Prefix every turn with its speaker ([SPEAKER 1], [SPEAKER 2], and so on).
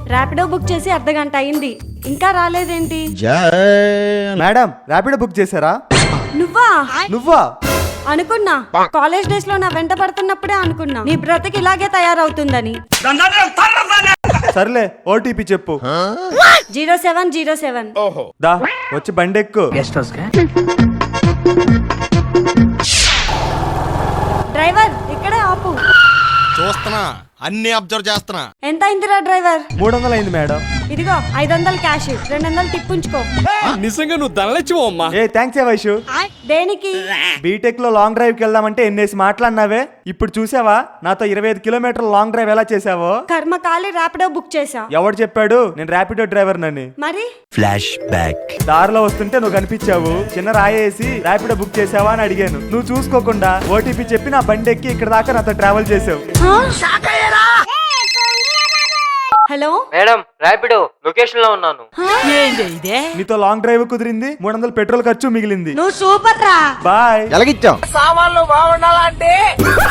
[SPEAKER 1] Rapido book చేసి అర్ధగంట అయింది, ఇంకా రాలేదేంటి?
[SPEAKER 2] మేడం ర్యాపిడో బుక్ చేశారా?
[SPEAKER 1] నువ్వా అనుకున్నా. కాలేజ్ డేస్ లో నా వెంట పడుతున్నప్పుడే అనుకున్నా నీ బ్రతికి ఇలాగే తయారవుతుందని.
[SPEAKER 2] సర్లే ఓటీపీ చెప్పు.
[SPEAKER 1] 0707.
[SPEAKER 2] దా వచ్చి బండి ఎక్కు.
[SPEAKER 1] డ్రైవర్ ఇక్కడే ఆపు.
[SPEAKER 3] చూస్తున్నా, అన్ని అబ్జర్వ్ చేస్తున్నా.
[SPEAKER 1] ఎంత అయిందిరా డ్రైవర్?
[SPEAKER 2] 300 అయింది మేడం.
[SPEAKER 1] ఇదిగో 500 క్యాష్, 200 టిప్ ఉంచుకో.
[SPEAKER 4] నిజంగా నువ్వు ధనలచ్చివో అమ్మా.
[SPEAKER 2] ఏ థ్యాంక్స్ ఏ వైషు.
[SPEAKER 1] దేనికి?
[SPEAKER 2] బీటెక్ లో లాంగ్ డ్రైవ్ కి వెళ్దామంటే ఎన్నేసి మాట్లాడినావే, ఇప్పుడు చూసావా నాతో 25 కిలోమీటర్ల లాంగ్ డ్రైవ్ ఎలా చేసావో?
[SPEAKER 1] కర్మకాలి ర్యాపిడో బుక్ చేసా.
[SPEAKER 2] ఎవడు చెప్పాడు నేను ర్యాపిడో డ్రైవర్ నని?
[SPEAKER 1] మరి
[SPEAKER 5] ఫ్లాష్ బ్యాక్.
[SPEAKER 2] దారిలో వస్తుంటే నువ్వు కనిపించావు, చిన్న రాయేసి ర్యాపిడో బుక్ చేసావా అని అడిగాను. నువ్వు చూసుకోకుండా ఓటీపీ చెప్పి నా బండి ఎక్కి ఇక్కడ దాకా నాతో ట్రావెల్ చేసావు.
[SPEAKER 1] హలో
[SPEAKER 6] మేడం, ర్యాపిడో లొకేషన్ లో ఉన్నాను.
[SPEAKER 2] నీతో లాంగ్ డ్రైవ్ కుదిరింది, 300 పెట్రోల్ ఖర్చు మిగిలింది.
[SPEAKER 1] నువ్వు సూపర్ రా.
[SPEAKER 2] బాయ్.
[SPEAKER 3] ఎలాగిచ్చాం?
[SPEAKER 4] సామాన్లు బాగుండాలంటే